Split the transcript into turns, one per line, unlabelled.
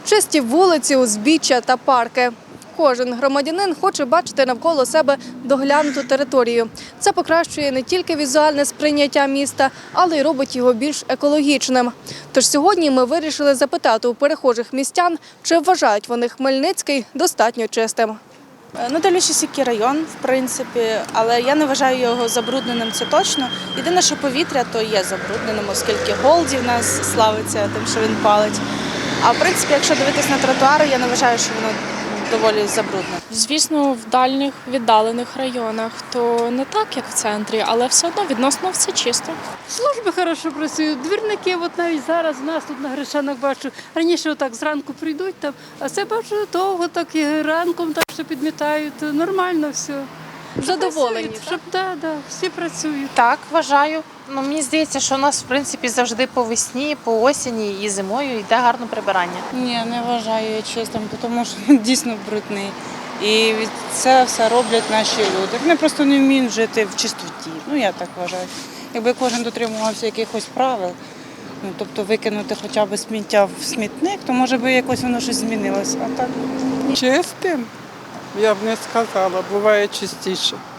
Чисті вулиці, узбіччя та парки. Кожен громадянин хоче бачити навколо себе доглянуту територію. Це покращує не тільки візуальне сприйняття міста, але й робить його більш екологічним. Тож сьогодні ми вирішили запитати у перехожих містян, чи вважають вони Хмельницький достатньо чистим.
Дивлячись, який район, в принципі, але я не вважаю його забрудненим, це точно. Єдине, що повітря то є забрудненим, оскільки Голді в нас славиться тим, що він палить. А в принципі, якщо дивитись на тротуари, я не вважаю, що воно доволі забруднене.
Звісно, в дальніх віддалених районах то не так, як в центрі, але все одно відносно все чисто.
Служби хорошо працюють, двірники, от навіть зараз у нас тут на Гришанах бачу, раніше отак зранку прийдуть там, а це бачу довго, так і ранком так що підмітають, нормально все.
Задоволені,
Працюють, щоб, да, всі працюють.
Так, вважаю. Мені здається, що у нас, в принципі, завжди по весні, по осені і зимою йде гарне прибирання.
Ні, не вважаю я чистим, тому що він дійсно брудний. І це все роблять наші люди. Вони просто не вміють жити в чистоті. Я так вважаю. Якби кожен дотримувався якихось правил, тобто викинути хоча б сміття в смітник, то може би якось воно щось змінилося. А так
Чистим? Я б не сказала, буває частіше.